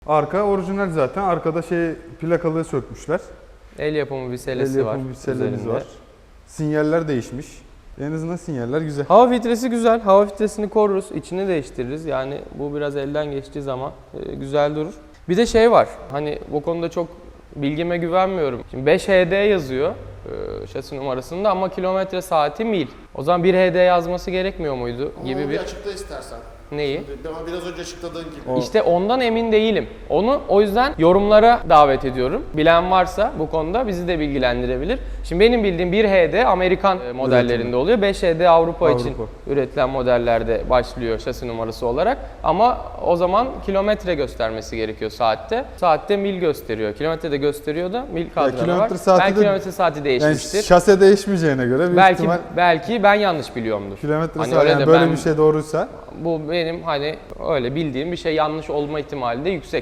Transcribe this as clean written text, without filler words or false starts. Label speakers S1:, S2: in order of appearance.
S1: Arka orijinal zaten. Arkada plakalığı sökmüşler.
S2: El yapımı bir selesi
S1: El
S2: var.
S1: yapımı bir selemiz
S2: üzerinde.
S1: var. Sinyaller değişmiş. En azından sinyaller güzel.
S2: Hava filtresi güzel. Hava filtresini koruruz. İçini değiştiririz. Yani bu biraz elden geçtiği zaman güzel durur. Bir de şey var. Hani bu konuda çok bilgime güvenmiyorum. Şimdi 5 HD yazıyor şasi numarasında ama kilometre saati mil. O zaman 1 HD yazması gerekmiyor muydu
S3: Ama
S2: gibi
S3: onu
S2: bir...
S3: açıkla istersen.
S2: Neyi?
S3: Ama biraz önce açıkladığın gibi.
S2: İşte ondan emin değilim. Onu o yüzden yorumlara davet ediyorum. Bilen varsa bu konuda bizi de bilgilendirebilir. Şimdi benim bildiğim 1 HD Amerikan modellerinde oluyor. 5 HD Avrupa için üretilen modellerde başlıyor şasi numarası olarak. Ama o zaman kilometre göstermesi gerekiyor saatte. Saatte mil gösteriyor. Kilometre de gösteriyor da mil kadranı var. Belki kilometre saati değişmiştir.
S1: Yani şase değişmeyeceğine göre büyük ihtimal
S2: belki ben yanlış biliyorumdur.
S1: kilometre
S2: Hani
S1: saati
S2: öyle
S1: yani
S2: de
S1: böyle
S2: ben-
S1: bir şey doğruysa
S2: Bu benim hani öyle bildiğim bir şey yanlış olma ihtimali de yüksek.